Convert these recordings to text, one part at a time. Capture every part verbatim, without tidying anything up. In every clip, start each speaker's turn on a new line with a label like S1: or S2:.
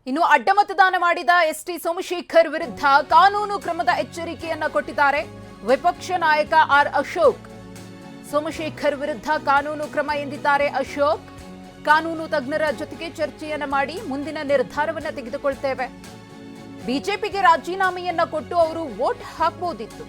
S1: ಇನ್ನು ಅಡ್ಡಮತದಾನ ಮಾಡಿದ ಎಸ್ಟಿ ಸೋಮಶೇಖರ್ ವಿರುದ್ಧ ಕಾನೂನು ಕ್ರಮದ ಎಚ್ಚರಿಕೆಯನ್ನ ಕೊಟ್ಟಿದ್ದಾರೆ ವಿಪಕ್ಷ ನಾಯಕ ಆರ್ ಅಶೋಕ್. ಸೋಮಶೇಖರ್ ವಿರುದ್ಧ ಕಾನೂನು ಕ್ರಮ ಎಂದಿದ್ದಾರೆ ಅಶೋಕ್. ಕಾನೂನು ತಜ್ಞರ ಜೊತೆಗೆ ಚರ್ಚೆಯನ್ನ ಮಾಡಿ ಮುಂದಿನ ನಿರ್ಧಾರವನ್ನ ತೆಗೆದುಕೊಳ್ತೇವೆ. ಬಿಜೆಪಿಗೆ ರಾಜೀನಾಮೆಯನ್ನ ಕೊಟ್ಟು ಅವರು ವೋಟ್ ಹಾಕಬಹುದಿತ್ತು.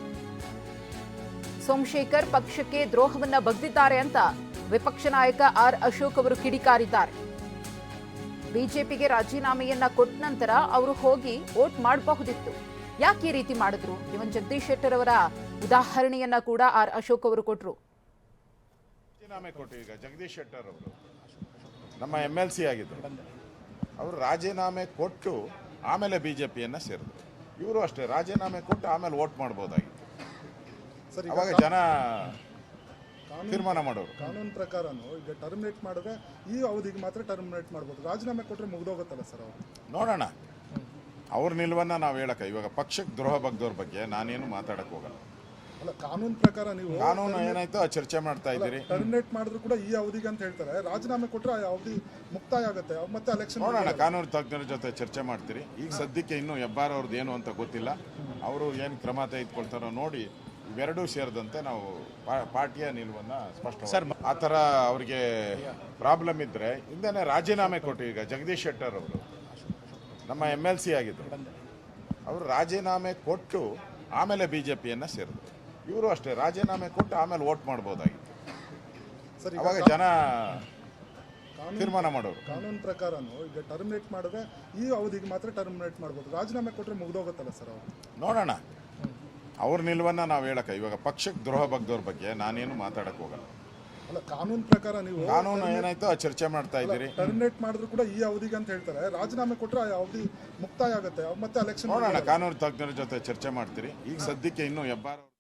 S1: ಸೋಮಶೇಖರ್ ಪಕ್ಷಕ್ಕೆ ದ್ರೋಹವನ್ನ ಬಗ್ದಿದ್ದಾರೆ ಅಂತ ವಿಪಕ್ಷ ನಾಯಕ ಆರ್ ಅಶೋಕ್ ಅವರು ಕಿಡಿಕಾರಿದ್ದಾರೆ. ಬಿಜೆಪಿಗೆ ರಾಜೀನಾಮೆಯನ್ನ ಕೊಟ್ಟ ನಂತರ ಅವರು ಹೋಗಿ ವೋಟ್ ಮಾಡಬಹುದಿತ್ತು. ಯಾಕೆ ಈ ರೀತಿ ಮಾಡಿದ್ರು? ಇವನ್ ಜಗದೀಶ್ ಶೆಟ್ಟರ್ ಅವರ ಉದಾಹರಣೆಯನ್ನ ಕೂಡ ಆರ್ ಅಶೋಕ್ ಅವರು ಕೊಟ್ಟರು.
S2: ರಾಜೀನಾಮೆ ಕೊಟ್ಟು ಈಗ ಜಗದೀಶ್ ಶೆಟ್ಟರ್ ಅವರು ನಮ್ಮ ಎಮ್ ಎಲ್ ಸಿ ಆಗಿದ್ರು. ಅವರು ರಾಜೀನಾಮೆ ಕೊಟ್ಟು ಆಮೇಲೆ ಬಿಜೆಪಿಯನ್ನ ಸೇರಿದ್ರು. ಇವರು ಅಷ್ಟೇ ರಾಜೀನಾಮೆ ಕೊಟ್ಟು ಆಮೇಲೆ ವೋಟ್ ಮಾಡ್ಬೋದಾಗಿತ್ತು. ಅವಾಗ ಜನ ತೀರ್ಮಾನ ಮಾಡೋರು.
S3: ಕಾನೂನು ಪ್ರಕಾರನು ಈಗ ಟರ್ಮಿನೇಟ್ ಮಾಡಿದ್ರೆ ಈ ಅವಧಿಗೆ ಮಾತ್ರ ಟರ್ಮಿನೇಟ್ ಮಾಡ್ಬೋದು. ರಾಜೀನಾಮೆ ಕೊಟ್ಟರೆ ಮುಗ್ದೋಗುತ್ತಲ್ಲ ಸರ್ ಅವರು.
S2: ನೋಡೋಣ ಅವ್ರ ನಿಲುವನ್ನ ನಾವು ಹೇಳಕ್ಕ. ಇವಾಗ ಪಕ್ಷಕ್ಕೆ ದ್ರೋಹ ಬಗ್ದವ್ರ ಬಗ್ಗೆ ನಾನೇನು ಮಾತಾಡಕ್ ಹೋಗಲ್ಲ.
S3: ಅಲ್ಲ, ಕಾನೂನು ಪ್ರಕಾರ ನೀವು
S2: ಕಾನೂನು ಏನಾಯ್ತು ಆ ಚರ್ಚೆ ಮಾಡ್ತಾ ಇದ್ದೀರಿ.
S3: ಟರ್ಮಿನೇಟ್ ಮಾಡಿದ್ರು ಕೂಡ ಈ ಅವಧಿಗೆ ಅಂತ ಹೇಳ್ತಾರೆ. ರಾಜೀನಾಮೆ ಕೊಟ್ಟರೆ ಆ ಅವಧಿ ಮುಕ್ತಾಯ ಆಗುತ್ತೆ, ಮತ್ತೆ ಎಲೆಕ್ಷನ್.
S2: ನೋಡೋಣ, ಕಾನೂನು ತಜ್ಞರ ಜೊತೆ ಚರ್ಚೆ ಮಾಡ್ತೀರಿ. ಈಗ ಸದ್ಯಕ್ಕೆ ಇನ್ನೂ ಹೆಬ್ಬಾರ್ ಅವ್ರದ್ದು ಏನು ಅಂತ ಗೊತ್ತಿಲ್ಲ. ಅವರು ಏನು ಕ್ರಮ ತೆಗೆದುಕೊಳ್ತಾರೋ ನೋಡಿ ಇವೆರಡೂ ಸೇರಿದಂತೆ ನಾವು ಪಾರ್ಟಿಯ ನಿಲುವನ್ನ ಸ್ಪಷ್ಟ. ಸರ್, ಆ ಥರ ಅವ್ರಿಗೆ ಪ್ರಾಬ್ಲಮ್ ಇದ್ರೆ ಹಿಂದೆನೇ ರಾಜೀನಾಮೆ ಕೊಟ್ಟು ಈಗ ಜಗದೀಶ್ ಶೆಟ್ಟರ್ ಅವರು ನಮ್ಮ ಎಮ್ ಎಲ್ ಸಿ ಆಗಿದ್ರು. ಅವರು ರಾಜೀನಾಮೆ ಕೊಟ್ಟು ಆಮೇಲೆ ಬಿಜೆಪಿಯನ್ನ ಸೇರಿದ್ರು. ಇವರು ಅಷ್ಟೇ ರಾಜೀನಾಮೆ ಕೊಟ್ಟು ಆಮೇಲೆ ವೋಟ್ ಮಾಡ್ಬೋದಾಗಿತ್ತು. ಅವಾಗ ಜನ ತೀರ್ಮಾನ ಮಾಡೋರು.
S3: ಕಾನೂನು ಪ್ರಕಾರನು ಈಗ ಟರ್ಮಿನೇಟ್ ಮಾಡಿದ್ರೆ ಈ ಅವಧಿಗೆ ಮಾತ್ರ ಟರ್ಮಿನೇಟ್ ಮಾಡ್ಬೋದು. ರಾಜೀನಾಮೆ ಕೊಟ್ಟರೆ ಮುಗ್ದೋಗುತ್ತಲ್ಲ ಸರ್ ಅವರು.
S2: ನೋಡೋಣ ಅವ್ರ ನಿಲುವನ್ನ ನಾವು ಹೇಳಕ್ಕ. ಇವಾಗ ಪಕ್ಷಕ್ಕೆ ದ್ರೋಹ ಬಗ್ದವ್ರ ಬಗ್ಗೆ ನಾನೇನು ಮಾತಾಡಕ್ ಹೋಗಲ್ಲ.
S3: ಅಲ್ಲ, ಕಾನೂನು ಪ್ರಕಾರ ನೀವು
S2: ಕಾನೂನು ಏನಾಯ್ತು ಆ ಚರ್ಚೆ ಮಾಡ್ತಾ ಇದ್ದೀರಿ.
S3: ಟರ್ಮಿನೇಟ್ ಮಾಡಿದ್ರು ಕೂಡ ಈ ಅವಧಿಗೆ ಅಂತ ಹೇಳ್ತಾರೆ. ರಾಜೀನಾಮೆ ಕೊಟ್ಟರೆ ಆ ಅವಧಿ ಮುಕ್ತಾಯ ಆಗುತ್ತೆ, ಮತ್ತೆ ಎಲೆಕ್ಷನ್.
S2: ನೋಡೋಣ, ಕಾನೂನು ತಜ್ಞರ ಜೊತೆ ಚರ್ಚೆ ಮಾಡ್ತೀರಿ. ಈಗ ಸದ್ಯಕ್ಕೆ ಇನ್ನೂ ಹೆಬ್ಬಾರ್